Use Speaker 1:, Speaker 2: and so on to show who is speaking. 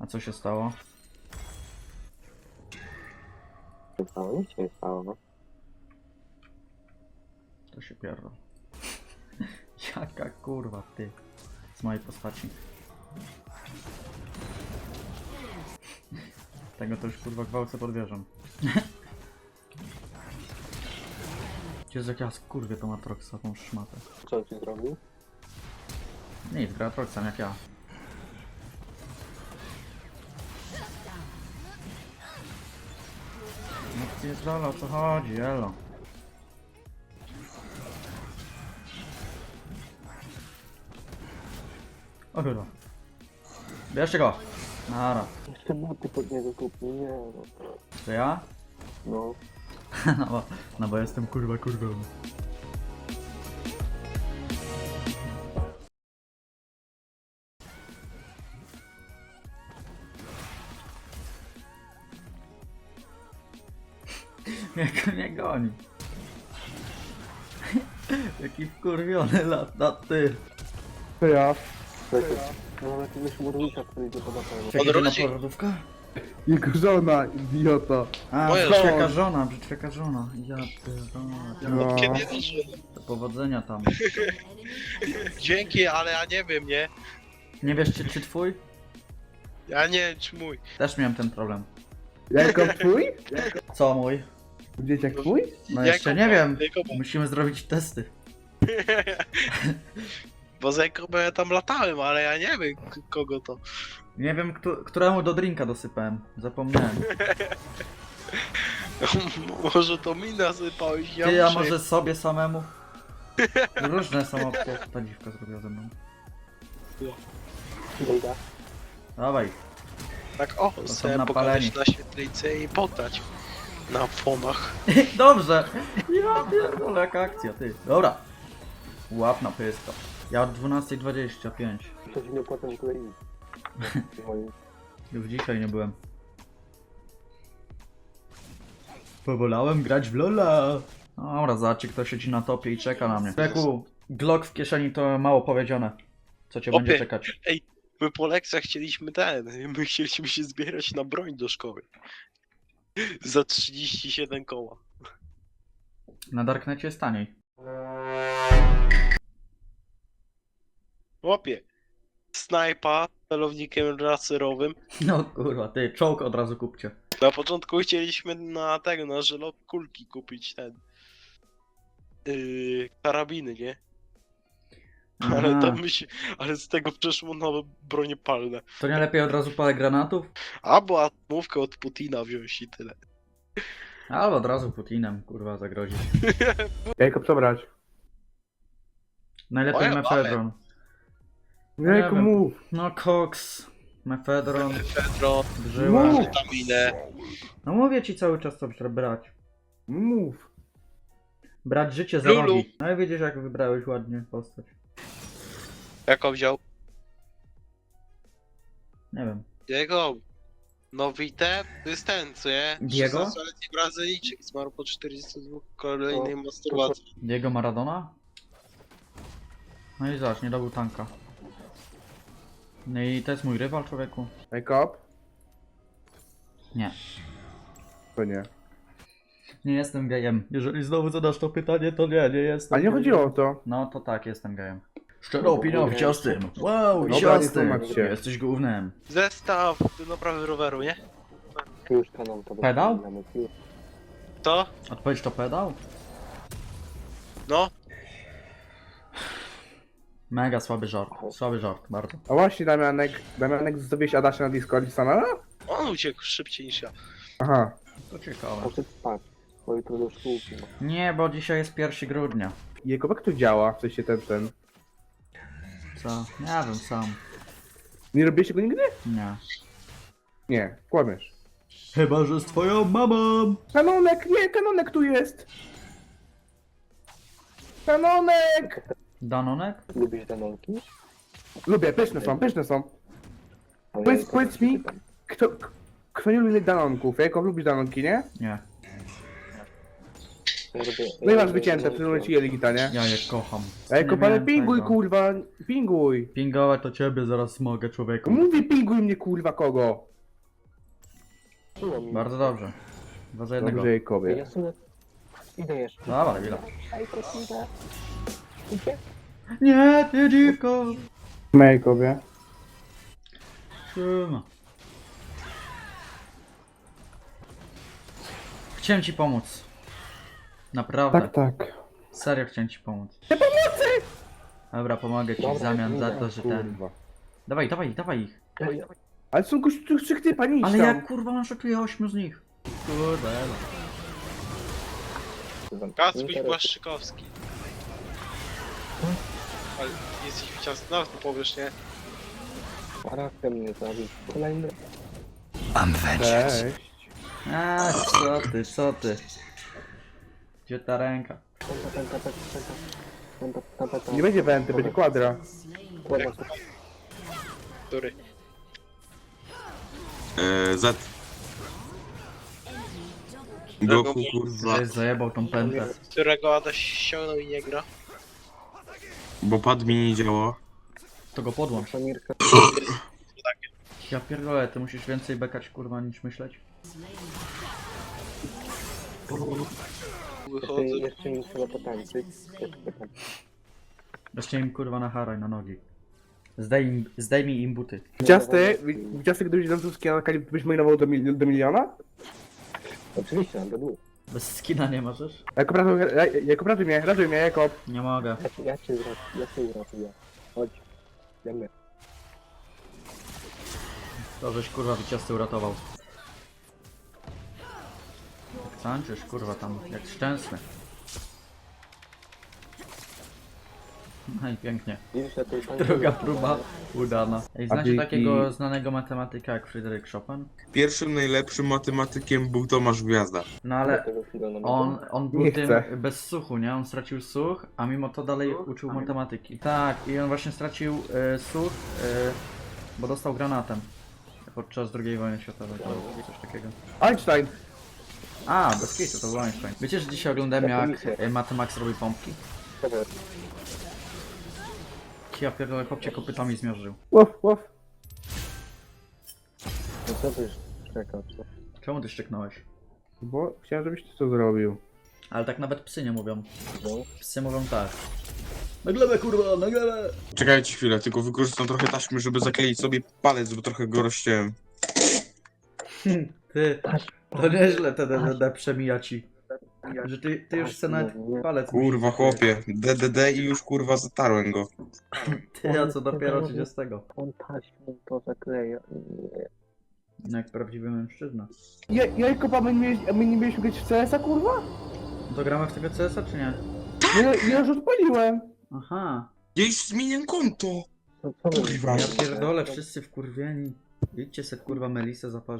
Speaker 1: A co się stało?
Speaker 2: Nie stało, nic się nie stało, no.
Speaker 1: To się pierdol. Jaka kurwa ty z mojej postaci. Tego to już kurwa gwałcę pod wieżą. Jezu, jak ja skurwię tą Atroxa, tą szmatę.
Speaker 2: Co on ci zrobił?
Speaker 1: Nic, gra Atroxem jak ja. No ty jest o co chodzi, elo. O kurwa. Bierzcie go! Nara.
Speaker 2: Jeszcze buty pod niego kupił, nie no.
Speaker 1: To ja?
Speaker 2: No.
Speaker 1: No bo jestem kurwa kurwą. Jak mnie goni. Jaki wkurwiony lata ty.
Speaker 3: To ja.
Speaker 2: Słuchajcie, no mam jakiegoś murnika, który idzie pod apelem.
Speaker 1: Czekaj, na
Speaker 4: Odrodzi-
Speaker 1: porodówkę?
Speaker 3: Jego żona, idioto.
Speaker 1: A,
Speaker 4: Moja
Speaker 1: brzydka żona, brzydka żona. Ja pierdolę.
Speaker 3: No.
Speaker 4: Kiedy wyszło?
Speaker 1: Do powodzenia tam.
Speaker 4: Dzięki, ale ja nie wiem, nie?
Speaker 1: Nie wiesz czy twój?
Speaker 4: Ja nie wiem, czy mój.
Speaker 1: Też miałem ten problem.
Speaker 3: Jako twój?
Speaker 1: Co mój?
Speaker 3: Dzieciak twój?
Speaker 1: No jeszcze nie wiem.
Speaker 4: Jakoba.
Speaker 1: Musimy zrobić testy.
Speaker 4: Bo z Jakobem ja tam latałem, ale ja nie wiem kogo to.
Speaker 1: Nie wiem, któremu do drinka dosypałem. Zapomniałem.
Speaker 4: Może to mi nasypałeś, ja
Speaker 1: Ty, a
Speaker 4: muszę...
Speaker 1: może sobie samemu? Różne są opcje. Ta dziwka zrobiła ze mną.
Speaker 2: Dobra.
Speaker 1: Dawaj.
Speaker 4: Tak o,
Speaker 1: są
Speaker 4: sobie
Speaker 1: napaleni.
Speaker 4: pokazać na świetlicy i poddać. Na fonach.
Speaker 1: Dobrze. Ja pierdolę, jaka akcja, ty. Dobra. Łap na pyska. Ja od 12:25.
Speaker 2: Coś nie potem klei.
Speaker 1: Już dzisiaj nie byłem. Powolałem grać w Lola. Dobra, zobaczcie, kto siedzi na topie i czeka na mnie. Leku, Glock w kieszeni to mało powiedziane. Co cię będzie
Speaker 4: Opie.
Speaker 1: czekać?
Speaker 4: My po lekcjach chcieliśmy my chcieliśmy się zbierać na broń do szkoły. Za 37 koła.
Speaker 1: Na Darknecie jest taniej.
Speaker 4: Łopie. Snajpa z celownikiem laserowym.
Speaker 1: No kurwa, ty, czołg od razu kupcie.
Speaker 4: Na początku chcieliśmy na tego, na żelot kulki kupić ten. Karabiny, nie? Ale
Speaker 1: Aha.
Speaker 4: tam ale z tego przeszło na bronie palne.
Speaker 1: To nie lepiej od razu parę granatów?
Speaker 4: Albo atmówkę od Putina wziąć i tyle.
Speaker 1: Albo od razu Putinem, kurwa, zagrozić.
Speaker 3: Jajko przebrać.
Speaker 1: Najlepiej
Speaker 4: Moja
Speaker 1: mefedron.
Speaker 3: Jajko
Speaker 1: wiem.
Speaker 3: mów.
Speaker 1: No koks, mefedron,
Speaker 4: Pedro,
Speaker 1: brzyła.
Speaker 3: Mów.
Speaker 4: witaminę.
Speaker 1: No mówię ci cały czas co trzeba brać.
Speaker 3: Mów.
Speaker 1: Brać życie za
Speaker 4: Lulu.
Speaker 1: rogi. No i widzisz jak wybrałeś ładnie postać.
Speaker 4: Jaką wziął?
Speaker 1: Nie wiem.
Speaker 4: Diego. No Vite, to jest ten, co nie?
Speaker 1: Diego?
Speaker 4: 16-letni Brazylijczyk zmarł po 42 kolejnej masturbacji.
Speaker 1: Diego Maradona? No i zobacz, nie dobył tanka. No i to jest mój rywal, człowieku?
Speaker 3: Jajko?
Speaker 1: Nie.
Speaker 3: To nie.
Speaker 1: Nie jestem gejem. Jeżeli znowu zadasz to pytanie, to nie jestem
Speaker 3: A nie
Speaker 1: gejem.
Speaker 3: chodziło o to.
Speaker 1: No to tak, jestem gejem. Szczerą opinią wciastym. Wow,
Speaker 3: Dobra,
Speaker 1: wciastym.
Speaker 3: nie tłumacz się.
Speaker 1: Jesteś gównem.
Speaker 4: Zestaw do naprawy roweru, nie?
Speaker 2: Już kanał to
Speaker 1: Pedał?
Speaker 4: To?
Speaker 1: Odpowiedź to pedał?
Speaker 4: No.
Speaker 1: Mega słaby żart. Słaby żart, bardzo.
Speaker 3: A właśnie Damianek zrobiłeś Adasia na Discordzie samego?
Speaker 4: On uciekł szybciej niż ja.
Speaker 3: Aha.
Speaker 1: To ciekawe.
Speaker 2: Poszedł spać, bo jutro do szkółki ma.
Speaker 1: Nie, bo dzisiaj jest 1 grudnia.
Speaker 3: Jego jak to działa? W sensie ten.
Speaker 1: Co? Nie wiem, sam.
Speaker 3: Nie robiłeś tego nigdy?
Speaker 1: Nie.
Speaker 3: Nie, kłamiesz.
Speaker 1: Chyba, że z twoją mamą!
Speaker 3: Kanonek, nie, kanonek tu jest! Kanonek!
Speaker 1: Danonek?
Speaker 2: Lubisz danonki?
Speaker 3: Lubię, pyszne są, pyszne są.
Speaker 2: Ale
Speaker 3: Powiedz-
Speaker 2: ja to
Speaker 3: powiedz mi.
Speaker 2: czytam.
Speaker 3: Kto nie lubi danonków? Jajko, lubisz danonki, nie?
Speaker 1: Nie.
Speaker 3: No i masz wycięte, w tym momencie Jeligita, nie?
Speaker 1: Ja je kocham.
Speaker 3: Ej,
Speaker 1: Nie
Speaker 3: kopany,
Speaker 1: miałem
Speaker 3: pinguj,
Speaker 1: tego.
Speaker 3: kurwa, pinguj.
Speaker 1: Pingować to ciebie zaraz mogę, człowieku.
Speaker 3: Mówię, pinguj mnie, kurwa, kogo?
Speaker 1: Bardzo dobrze. 2 za 1.
Speaker 3: Dobrze, Jakobie.
Speaker 2: Ja sobie idę jeszcze.
Speaker 1: Dobra, chwila.
Speaker 2: Ej, to idę. Idzie?
Speaker 1: Nie, ty dziwko!
Speaker 3: Jakobie.
Speaker 1: Trzyma. Chciałem ci pomóc. Naprawdę.
Speaker 3: Tak, tak.
Speaker 1: Serio chciałem ci pomóc. Nie pomocy! Dobra, pomogę ci w
Speaker 2: Dobra,
Speaker 1: zamian za
Speaker 2: idę,
Speaker 1: to, że ten...
Speaker 3: Kurwa.
Speaker 1: Dawaj, dawaj, dawaj ich.
Speaker 2: Ej,
Speaker 3: Ale są gościu 3 typa, nie idź
Speaker 1: Ale
Speaker 3: tam.
Speaker 1: ja kurwa manszutuję 8 z nich. Kurde, elo.
Speaker 4: Kacpuś Błaszczykowski. Ale jesteś wyciągnięty, no to powiesz, nie?
Speaker 2: charakter mnie zabił. Kolejny.
Speaker 3: Cześć.
Speaker 1: A, co ty, co ty? Gdzie ta ręka?
Speaker 3: Nie będzie wenty, będzie kwadra.
Speaker 4: Który?
Speaker 5: Z. Goku, kurwa,
Speaker 1: Żeś zajebał tą pętlę.
Speaker 4: Którego Adaś ściągnął i nie gra?
Speaker 5: bo pad mi nie działa.
Speaker 1: To go podłącz.
Speaker 2: Samirka.
Speaker 1: Ja pierdolę, ty musisz więcej bekać kurwa niż myśleć.
Speaker 4: Wychodzę.
Speaker 2: Jeszcze mi trzeba potańczyć.
Speaker 1: Weźcie im kurwa na haraj, na nogi. Zdejmij im buty.
Speaker 3: Ciasty, gdybyś nam tu skinął, byś mainował do miliona?
Speaker 2: Oczywiście, na dół.
Speaker 1: Bez skina nie możesz?
Speaker 3: Jakob, ratuj mnie, Jakob.
Speaker 1: Nie mogę.
Speaker 2: Ja cię uratuję. Chodź. Idziemy.
Speaker 1: To żeś kurwa wyciasty uratował. Jak tańczysz kurwa tam, jak szczęsny. No i pięknie.
Speaker 2: Widzisz, ja tu
Speaker 1: Druga próba udana. Ej, znacie
Speaker 3: Abiki.
Speaker 1: takiego znanego matematyka jak Fryderyk Chopin?
Speaker 5: Pierwszym najlepszym matematykiem był Tomasz Gwiazda.
Speaker 1: No ale
Speaker 2: Tego chwilę na
Speaker 1: on był
Speaker 3: Nie
Speaker 1: tym
Speaker 3: chcę.
Speaker 1: bez słuchu, nie? On stracił słuch, a mimo to dalej uczył matematyki. Tak, i on właśnie stracił słuch, bo dostał granatem. Podczas II wojny światowej, to coś takiego.
Speaker 3: Einstein.
Speaker 1: A, bez kitu, to był Einstein. Wiecie, że dzisiaj oglądałem jak Matemax robi pompki?
Speaker 2: Dobra,
Speaker 1: Ja pierdolę, chłopcie kopytami zmierzył.
Speaker 3: Łof, łof.
Speaker 2: no co ty już czekał?
Speaker 1: Czemu ty szczeknąłeś?
Speaker 3: Bo chciałem, żebyś ty to zrobił.
Speaker 1: Ale tak nawet psy nie mówią.
Speaker 2: No.
Speaker 1: Psy mówią tak. Na glebę kurwa, na glebę!
Speaker 5: Czekajcie chwilę, tylko wykorzystam trochę taśmy, żeby zakleić sobie palec, bo trochę go rozciąłem.
Speaker 1: Ty, to nieźle te DDD przemija ci. Że ty już se nawet palec
Speaker 5: Kurwa chłopie, DDD i już kurwa zatarłem go.
Speaker 1: Ty, a co dopiero 30.
Speaker 2: On taśmą to zakleja. Nie.
Speaker 1: No jak prawdziwy mężczyzna.
Speaker 3: Jakob, a my nie mieliśmy grać w CS-a, kurwa?
Speaker 1: To gramy w tego CS-a czy nie?
Speaker 3: Ja już odpaliłem.
Speaker 1: Aha.
Speaker 5: Ja już zmieniam konto!
Speaker 2: No co my?
Speaker 5: Kurwa.
Speaker 1: Ja pierdolę, wszyscy wkurwieni. Idźcie se kurwa Melisę zaparzyć.